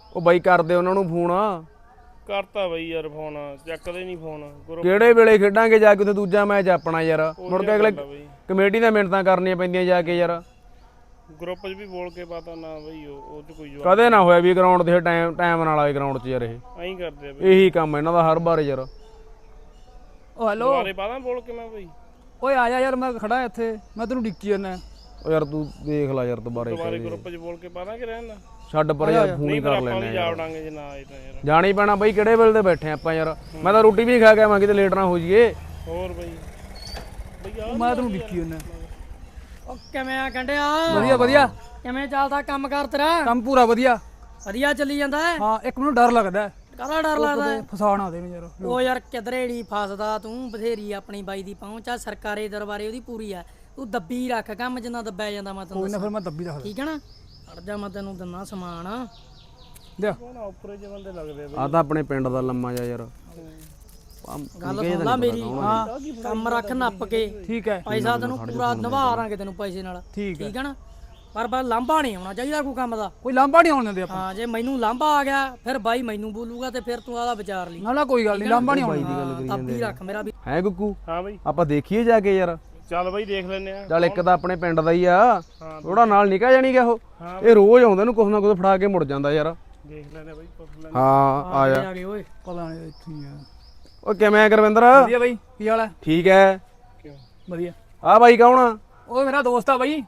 ਉਹ ਬਾਈ ਕਰਦੇ ਉਹਨਾਂ ਨੂੰ ਫੋਨ ਕਰਤਾ ਬਈ ਯਾਰ ਫੋਨ ਚੱਕਦੇ ਨਹੀਂ ਫੋਨ ਕਿਹੜੇ ਵੇਲੇ ਖੇਡਾਂਗੇ ਜਾ ਕੇ ਉੱਥੇ ਦੂਜਾ ਮੈਚ ਆਪਣਾ ਯਾਰ ਮੁੜ ਕੇ ਅਗਲੇ ਕਮੇਟੀ ਦੀਆਂ ਮਿਹਨਤਾਂ ਕਰਨੀਆਂ ਪੈਂਦੀਆਂ ਜਾ ਕੇ ਯਾਰ ਗਰੁੱਪ 'ਚ ਵੀ ਬੋਲ ਕੇ ਪਤਾ ਨਾ ਬਈ ਉਹ 'ਚ ਕੋਈ ਕਦੇ ਨਾ ਹੋਇਆ ਵੀ ਗਰਾਊਂਡ ਤੇ ਟਾਈਮ ਨਾਲ ਆਏ ਗਰਾਊਂਡ 'ਚ ਯਾਰ ਇਹ ਐਂ ਕਰਦੇ ਆ ਬਈ ਇਹੀ ਕੰਮ ਇਹਨਾਂ ਦਾ ਹਰ ਵਾਰ ਯਾਰ ਓ ਹੈਲੋ ਦੁਬਾਰੇ ਪਾਦਾ ਬੋਲ ਕੇ ਮੈਂ ਬਈ ਓਏ ਆ ਜਾ ਯਾਰ ਮੈਂ ਖੜਾ ਇੱਥੇ ਮੈਂ ਤੈਨੂੰ ਡਿੱਕੀ ਜਾਂਦਾ ਉਹ ਯਾਰ ਤੂੰ ਦੇਖ ਲੈ ਯਾਰ ਦੁਬਾਰੇ ਗਰੁੱਪ 'ਚ ਬੋਲ ਕੇ ਪਾਦਾ ਕਿ ਰਹਿਣਾ ਛੱਡ ਪਰ ਯਾਰ ਫੋਨ ਹੀ ਕਰ ਆਪਾਂ ਲੈਣੇ ਵੀ ਜਾਵੜਾਂਗੇ ਜੇ ਨਾ ਆਏ ਤਾਂ ਯਾਰ ਜਾਣੀ ਪੈਣਾ ਬਈ ਕਿਹੜੇ ਵੇਲੇ ਤੇ ਬੈਠੇ ਆਪਾਂ ਯਾਰ ਮੈਂ ਤਾਂ ਰੋਟੀ ਵੀ ਖਾ ਕੇ ਆਵਾਂ ਕਿਤੇ ਲੇਟ ਨਾ ਹੋ ਜਾਈਏ ਹੋਰ ਬਈ ਬਈ ਮੈਂ ਤੈਨੂੰ ਡਿੱਕੀ ਜਾਂਦਾ ਓ ਕਿਵੇਂ ਆ ਗੰਡਿਆ ਵਧੀਆ ਵਧੀਆ ਕਿਵੇਂ ਚੱਲਦਾ ਕੰਮ ਕਰ ਤੇਰਾ ਕੰਮ ਪੂਰਾ ਵਧੀਆ ਵਧੀਆ ਚੱਲੀ ਜਾਂਦਾ ਹੈ ਹਾਂ ਇੱਕ ਮੈਨੂੰ ਡਰ ਲੱਗਦਾ ਕਾਹਦਾ ਡਰ ਲੱਗਦਾ ਹੈ? ਫਸਾਣਾ ਦੇ ਯਾਰ ਓ ਯਾਰ ਕਿਧਰੇ ਨਹੀਂ ਫਸਦਾ ਤੂੰ ਬਥੇਰੀ ਆਪਣੀ ਬਾਈ ਦੀ ਪਹੁੰਚ ਆ ਸਰਕਾਰੀ ਦਰਬਾਰੇ ਉਹਦੀ ਪੂਰੀ ਆ ਤੂੰ ਦੱਬੀ ਰੱਖ ਕੰਮ ਜਿੰਨਾ ਦੱਬਿਆ ਜਾਂਦਾ ਮੈਂ ਤੈਨੂੰ ਕੋਈ ਨਾ ਫਿਰ ਮੈਂ ਦੱਬੀ ਰੱਖਦਾ ਠੀਕ ਹੈ ਨਾ ਅੜ ਜਾ ਮੈਂ ਤੈਨੂੰ ਦਿੰਨਾ ਸਮਾਨ ਲਿਆ ਨਾ ਉੱਪਰੇ ਜੇ ਬੰਦੇ ਲੱਗਦੇ ਆ ਤਾਂ ਆਪਣੇ ਪਿੰਡ ਦਾ ਲੰਮਾ ਜਾ ਯਾਰ ਗੱਲ ਸੁਣ ਲਾ ਮੇਰੀ ਹਾਂ ਕੰਮ ਰੱਖ ਨੱਪ ਕੇ ਠੀਕ ਹੈ ਪੈਸਾ ਤੈਨੂੰ ਪੂਰਾ ਨਿਭਾਰਾਂਗੇ ਤੈਨੂੰ ਪੈਸੇ ਨਾਲ ਠੀਕ ਠੀਕ ਹੈ ਨਾ ਪਰ ਲਾਂਭਾ ਨਹੀਂ ਆਉਣਾ ਚਾਹੀਦਾ ਕੋਈ ਕੰਮ ਦਾ ਕੋਈ ਲਾਂਭਾ ਨਹੀਂ ਆਉਣ ਦਿੰਦੇ ਆਪਾਂ ਹਾਂ ਜੇ ਮੈਨੂੰ ਲਾਂਭਾ ਆ ਗਿਆ ਫਿਰ ਬਾਈ ਮੈਨੂੰ ਬੋਲੂਗਾ ਤੇ ਫਿਰ ਤੂੰ ਆਦਾ ਵਿਚਾਰ ਲਈ ਨਾ ਕੋਈ ਗੱਲ ਨਹੀਂ ਲਾਂਭਾ ਨਹੀਂ ਆਉਣ ਦੱਬੀ ਰੱਖ ਮੇਰਾ ਵੀ ਹੈ ਗੁੱਗੂ ਹਾਂ ਬਈ ਆਪਾਂ ਦੇਖੀਏ ਜਾ ਕੇ ਯਾਰ ਚੱਲ ਬਈ ਦੇਖ ਲੈਨੇ ਆ ਚੱਲ ਇੱਕ ਤਾਂ ਆਪਣੇ ਪਿੰਡ ਦਾ ਹੀ ਆ ਥੋੜਾ ਨਾਲ ਨਿਕਾ ਜਾਣੀ ਗਿਆ ਉਹ ਇਹ ਰੋਜ਼ ਆਉਂਦਾ ਇਹਨੂੰ ਕੁਛ ਨਾ ਕੁਛ ਫੜਾ ਕੇ ਮੁੜ ਜਾਂਦਾ ਯਾਰ ਦੇਖ ਲੈਨੇ ਬਈ ਪੁੱਛ ਲੈਨੇ ਹਾਂ ਆ ਜਾ ਆ ਗਏ ਓਏ ਪਤਾ ਨਹੀਂ ਇੱਥੇ ਹੀ ਆ ਉਹ ਕਿਵੇਂ ਆ ਗੁਰਵਿੰਦਰ ਵਧੀਆ ਬਾਈ ਕੀ ਹਾਲ ਹੈ ਠੀਕ ਹੈ ਕਿਉਂ ਵਧੀਆ ਆ ਬਾਈ ਕੌਣ ਆ ਉਹ ਮੇਰਾ ਦੋਸਤ ਆ ਬਾਈ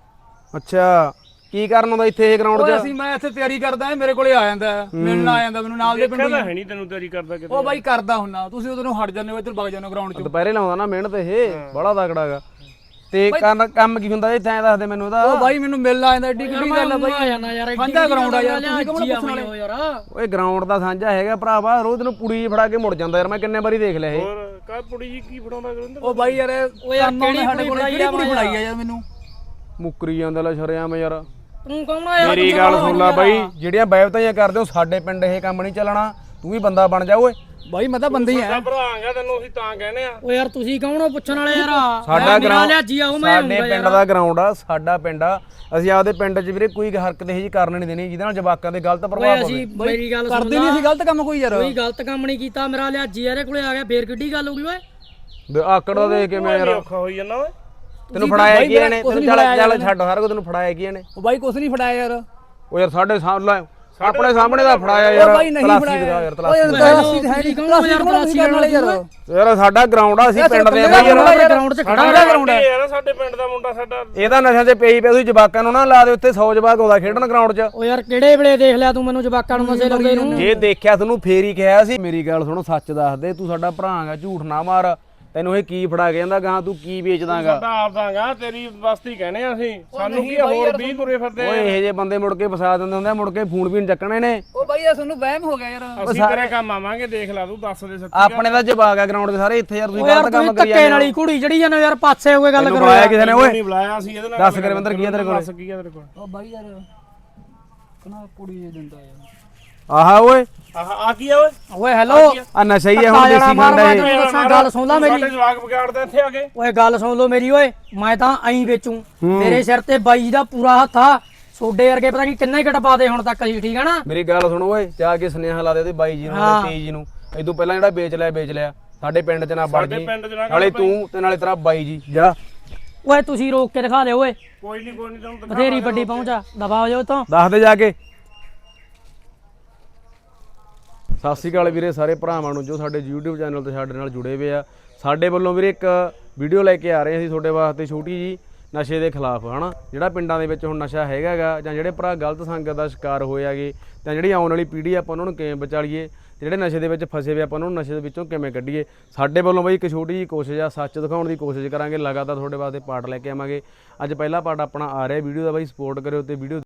ਅੱਛਾ ਕੀ ਕਰਨ ਆਉਂਦਾ ਇੱਥੇ ਇਹ ਗਰਾਊਂਡ ਓਏ 'ਚ ਅਸੀਂ ਮੈਂ ਇੱਥੇ ਤਿਆਰੀ ਕਰਦਾ ਮੇਰੇ ਕੋਲੇ ਆ ਜਾਂਦਾ ਮਿਲਣ ਆ ਜਾਂਦਾ ਮੈਨੂੰ ਨਾਲ ਦੇ ਪਿੰਡੋਂ ਕਹਿੰਦਾ ਹੈ ਨਹੀਂ ਤੈਨੂੰ ਤਿਆਰੀ ਕਰਦਾ ਕਿਤੇ ਉਹ ਬਾਈ ਕਰਦਾ ਹੁੰਨਾ ਤੁਸੀਂ ਉਧਰੋਂ ਹਟ ਜਾਂਦੇ ਹੋ ਇੱਧਰ ਵਗ ਜਾਂਦੇ ਹੋ ਗਰਾਊਂਡ 'ਚ ਦੁਪਹਿਰੇ ਲਾਉਂਦਾ ਨਾ ਮਿਹਨਤ ਇਹ ਬੜਾ ਤਗੜਾ ਗਾ ਤੇ ਕੰਮ ਕੀ ਹੁੰਦਾ ਇੱਥੇ ਐਂ ਦੱਸ ਦੇ ਮੈਨੂੰ ਇਹਦਾ ਉਹ ਬਾਈ ਮੈਨੂੰ ਮਿਲਣ ਆ ਜਾਂਦਾ ਏਡੀ ਕਿੱਡੀ ਗੱਲ ਆ ਬਾਈ ਆ ਜਾਣਾ ਯਾਰ ਸਾਂਝਾ ਗਰਾਊਂਡ ਆ ਯਾਰ ਤੁਸੀਂ ਕੌਣ ਪੁੱਛਣ ਵਾਲੇ ਹੋ ਯਾਰ ਓਏ ਗਰਾਊਂਡ ਦਾ ਸਾਂਝਾ ਹੈਗਾ ਭਰਾਵਾ ਰੋਜ਼ ਨੂੰ ਪੁੜੀ ਫੜਾ ਕੇ ਮੁੜ ਜਾਂਦਾ ਯਾਰ ਮੈਂ ਕਿੰਨੇ ਵਾਰੀ ਦੇਖ ਲਿਆ ਇਹ ਹੋਰ ਕਾ ਪੁੜੀ ਜੀ ਕੀ ਫੜਾਉਂਦਾ ਗੁਰਿੰਦਰ ਉਹ ਬਾਈ ਯਾਰ ਓ ਯਾਰ ਕਿਹੜੀ ਸਾਡੇ ਕੋਲ ਕਿਹੜੀ ਕੁੜੀ ਬਣਾਈ ਆ ਯਾਰ ਮੈਨੂੰ ਮੁੱਕਰੀ ਜਾਂਦਾ ਲੈ ਸ਼ਰਿਆਮ ਯਾਰ ਤੂੰ ਕੌਣ ਆ ਯਾਰ ਮੇਰੀ ਗੱਲ ਸੁਣ ਲੈ ਬਾਈ ਜਿਹੜੀਆਂ ਬੈਵਤਾਈਆਂ ਕਰਦੇ ਹੋ ਸਾਡੇ ਪਿੰਡ ਇਹ ਕੰਮ ਨਹੀਂ ਚੱਲਣਾ ਤੂੰ ਵੀ ਬੰਦਾ ਬਣ ਜਾ ਓਏ ਬਾਈ ਮੈਂ ਤਾਂ ਬੰਦੇ ਹੀ ਆ ਭਰਾਂਗਾ ਤੈਨੂੰ ਅਸੀਂ ਤਾਂ ਕਹਿੰਦੇ ਆ ਓ ਯਾਰ ਤੁਸੀਂ ਕੌਣ ਹੋ ਪੁੱਛਣ ਵਾਲੇ ਯਾਰ ਸਾਡਾ ਗਰਾਊਂਡ ਲਿਆਜੀ ਆਉ ਮੈਂ ਸਾਡੇ ਪਿੰਡ ਦਾ ਗਰਾਊਂਡ ਆ ਸਾਡਾ ਪਿੰਡ ਆ ਅਸੀਂ ਆਪਦੇ ਪਿੰਡ 'ਚ ਵੀਰੇ ਕੋਈ ਹਰਕਤ ਇਹ ਜੀ ਕਰਨ ਨਹੀਂ ਦੇਣੀ ਜਿਹਦੇ ਨਾਲ ਜਵਾਕਾਂ ਦੇ ਗਲਤ ਪ੍ਰਭਾਵ ਪਵੇ ਅਸੀਂ ਮੇਰੀ ਗੱਲ ਸੁਣ ਕਰਦੇ ਨਹੀਂ ਅਸੀਂ ਗਲਤ ਕੰਮ ਕੋਈ ਯਾਰ ਕੋਈ ਗਲਤ ਕੰਮ ਨਹੀਂ ਕੀਤਾ ਮੇਰਾ ਲਿਆਜੀ ਇਹਦੇ ਕੋਲੇ ਆ ਗਿਆ ਫੇਰ ਕਿੱਡੀ ਗੱਲ ਹੋ ਗਈ ਓਏ ਆਕੜ ਦਾ ਦੇਖ ਕੇ ਮੈਂ ਯਾਰ ਔਖਾ ਹੋਈ ਜਾਂਦਾ ਓਏ ਤੈਨੂੰ ਫੜਾਇਆ ਕੀ ਇਹਨੇ ਤੈਨੂੰ ਚੱਲ ਛੱਡ ਸਾਰਾ ਕੁਝ ਤੈਨੂੰ ਫੜਾਇਆ ਕੀ ਇਹਨੇ ਉਹ ਬਾਈ ਕੁਛ ਨਹੀਂ ਫੜਾਇਆ ਯਾਰ ਉਹ ਯਾਰ ਸਾਡੇ ਸਾਹਮਣੇ ਆਪਣੇ ਸਾਹਮਣੇ ਦਾ ਫੜਾਇਆ ਯਾਰ ਉਹ ਬਾਈ ਨਹੀਂ ਫੜਾਇਆ ਯਾਰ ਓਏ ਤਲਾਸੀ ਹੈ ਨਹੀਂ ਤਲਾਸੀ ਕਰਨ ਵਾਲੇ ਯਾਰ ਯਾਰ ਸਾਡਾ ਗਰਾਊਂਡ ਆ ਅਸੀਂ ਪਿੰਡ ਦੇ ਬਾਈ ਯਾਰ ਗਰਾਊਂਡ 'ਚ ਖੜਾ ਸਾਡਾ ਗਰਾਊਂਡ ਹੈ ਯਾਰ ਸਾਡੇ ਪਿੰਡ ਦਾ ਮੁੰਡਾ ਸਾਡਾ ਇਹਦਾ ਨਸ਼ਿਆਂ ਤੇ ਪਈ ਤੁਸੀਂ ਜਵਾਕਾਂ ਨੂੰ ਨਾ ਲਾ ਦੇ ਉੱਥੇ 100 ਜਵਾਕ ਆਉਂਦਾ ਖੇਡਣ ਗਰਾਊਂਡ 'ਚ ਓ ਯਾਰ ਕਿਹੜੇ ਵੇਲੇ ਦੇਖ ਲਿਆ ਤੂੰ ਮੈਨੂੰ ਜਵਾਕਾਂ ਨੂੰ ਨਸ਼ੇ ਲਾਉਂਦੇ ਨੂੰ ਜੇ ਦੇਖਿਆ ਤੁਹਾਨੂੰ ਫੇਰ ਹੀ ਕਿਹਾ ਸੀ ਮੇਰੀ ਗੱਲ ਸੁਣੋ ਸੱਚ ਦੱਸ ਦੇ ਤੂੰ ਸਾਡਾ ਭਰਾ ਹੈਗਾ ਝੂਠ ਨਾ ਮਾਰ ਤੈਨੂੰ ਇਹ ਕੀ ਫੜਾ ਕੇ ਜਾਂਦਾ ਗਾਂ ਤੂੰ ਕੀ ਵੇਚਦਾਗਾ ਸਾਡਾ ਆਪਦਾਗਾ ਤੇਰੀ ਬਸਤੀ ਕਹਿੰਦੇ ਆ ਅਸੀਂ ਸਾਨੂੰ ਕੀ ਹੋਰ 20 ਤੁਰੇ ਫਿਰਦੇ ਓਏ ਇਹੋ ਜਿਹੇ ਬੰਦੇ ਮੁੜ ਕੇ ਫਸਾ ਦਿੰਦੇ ਹੁੰਦੇ ਆ ਮੁੜ ਕੇ ਫੋਨ ਵੀ ਨਹੀਂ ਚੱਕਣੇ ਨੇ ਉਹ ਬਾਈ ਇਹ ਤੁਹਾਨੂੰ ਵਹਿਮ ਹੋ ਗਿਆ ਯਾਰ ਅਸੀਂ ਤੇਰੇ ਕੰਮ ਆਵਾਂਗੇ ਦੇਖ ਲੈ ਤੂੰ ਦੱਸ ਦੇ ਸੱਚੀ ਆਪਣੇ ਦਾ ਜਵਾਕ ਆ ਗਰਾਊਂਡ 'ਚ ਸਾਰੇ ਇੱਥੇ ਯਾਰ ਤੁਸੀਂ ਓ ਯਾਰ ਗਲਤ ਕੰਮ ਤੂੰ ਕਰੀ ਧੱਕੇ ਜਾਂਦੇ ਨਾਲ ਹੀ ਕੁੜੀ ਜਿਹੜੀ ਜਾਂਦੇ ਯਾਰ ਪਾਸੇ ਹੋ ਕੇ ਗੱਲ ਕਰੋ ਬੁਲਾਇਆ ਕਿਸੇ ਨੇ ਓਏ ਨਹੀਂ ਬੁਲਾਇਆ ਅਸੀਂ ਇਹਦੇ ਨਾਲ ਦੱਸ ਗੁਰਵਿੰਦਰ ਕੀ ਆ ਤੇਰੇ ਕੋਲ ਦੱਸ ਕੀ ਆ ਤੇਰੇ ਕੋਲ ਉਹ ਬਾਈ ਯਾਰ ਕਨਾ ਕੁੜੀ ਦਿੰਦਾ ਯਾਰ ਆਹਾ ਓਏ ਆਹ ਆ ਕੀ ਆ ਓਏ ਓਏ ਹੈਲੋ ਆ ਨਸ਼ਾ ਹੀ ਆ ਹੁਣ ਦੇਸੀ ਖਾਂਦਾ ਇਹ ਦੱਸਾਂ ਗੱਲ ਸੁਣ ਲੈ ਮੇਰੀ ਸਾਡੇ ਜਵਾਕ ਵਿਗਾੜਦੇ ਇੱਥੇ ਆ ਕੇ ਓਏ ਗੱਲ ਸੁਣ ਲਓ ਮੇਰੀ ਓਏ ਮੈਂ ਤਾਂ ਐਂ ਵੇਚੂ ਮੇਰੇ ਸਿਰ ਤੇ ਬਾਈ ਦਾ ਪੂਰਾ ਹੱਥ ਆ ਸੋਡੇ ਵਰਗੇ ਪਤਾ ਨਹੀਂ ਕਿੰਨੇ ਘਟ ਪਾਦੇ ਹੁਣ ਤੱਕ ਅਸੀਂ ਠੀਕ ਆ ਨਾ ਮੇਰੀ ਗੱਲ ਸੁਣੋ ਓਏ ਜਾ ਕੇ ਸੁਨੇਹਾ ਲਾ ਦੇ ਉਹਦੇ ਬਾਈ ਜੀ ਨੂੰ ਤੇ ਤੇਜ ਜੀ ਨੂੰ ਇਦੋਂ ਪਹਿਲਾਂ ਜਿਹੜਾ ਵੇਚ ਲਿਆ ਸਾਡੇ ਪਿੰਡ 'ਚ ਨਾ ਵੜ ਜੀ ਪਿੰਡ 'ਚ ਨਾ ਨਾਲੇ ਤੂੰ ਤੇ ਨਾਲੇ ਤੇਰਾ ਬਾਈ ਜੀ ਜਾ ਓਏ ਤੁਸੀਂ ਰੋਕ ਕੇ ਦਿਖਾ ਲਿਓ ਓਏ ਕੋਈ ਨਹੀਂ ਤੈਨੂੰ ਬਥੇਰੀ ਵੱਡੀ ਪਹੁੰਚਾ ਦਬਾ ਜਾਓ ਤੋਂ ਦੱਸ ਦੇ ਜਾ ਕੇ ਸਤਿ ਸ਼੍ਰੀ ਅਕਾਲ ਵੀਰੇ ਸਾਰੇ ਭਰਾਵਾਂ ਨੂੰ ਜੋ ਸਾਡੇ YouTube ਚੈਨਲ ਤੇ ਸਾਡੇ ਨਾਲ ਜੁੜੇ ਹੋਏ ਆ ਸਾਡੇ ਵੱਲੋਂ ਵੀਰੇ ਇੱਕ ਵੀਡੀਓ ਲੈ ਕੇ ਆ ਰਹੇ ਅਸੀਂ ਤੁਹਾਡੇ ਵਾਸਤੇ ਛੋਟੀ ਜੀ ਨਸ਼ੇ ਦੇ ਖਿਲਾਫ ਹਨਾ ਜਿਹੜਾ ਪਿੰਡਾਂ ਦੇ ਵਿੱਚ ਹੁਣ ਨਸ਼ਾ ਹੈਗਾਗਾ ਜਾਂ ਜਿਹੜੇ ਭਰਾ ਗਲਤ ਸੰਗਤ ਦਾ ਸ਼ਿਕਾਰ ਹੋਇਆਗੇ ਤਾਂ ਜਿਹੜੀ ਆਉਣ ਵਾਲੀ ਪੀੜ੍ਹੀ ਆਪਾਂ ਉਹਨਾਂ ਨੂੰ ਕਿਵੇਂ ਬਚਾਲੀਏ ਜਿਹੜੇ ਨਸ਼ੇ ਦੇ ਵਿੱਚ ਫਸੇ ਹੋਏ ਆਪਾਂ ਉਹਨਾਂ ਨੂੰ ਨਸ਼ੇ ਦੇ ਵਿੱਚੋਂ ਕਿਵੇਂ ਕੱਢੀਏ ਸਾਡੇ ਵੱਲੋਂ ਬਈ ਇੱਕ ਛੋਟੀ ਜੀ ਕੋਸ਼ਿਸ਼ ਆ ਸੱਚ ਦਿਖਾਉਣ ਦੀ ਕੋਸ਼ਿਸ਼ ਕਰਾਂਗੇ ਲਗਾਤਾਰ ਤੁਹਾਡੇ ਵਾਸਤੇ ਪਾਰਟ ਲੈ ਕੇ ਆਵਾਂਗੇ ਅੱਜ ਪਹਿਲਾ ਪਾਰਟ ਆਪਣਾ ਆ ਰਿਹਾ ਵੀਡੀਓ ਦਾ ਬਈ ਸਪੋਰਟ ਕਰਿਓ ਤੇ ਵੀਡੀਓ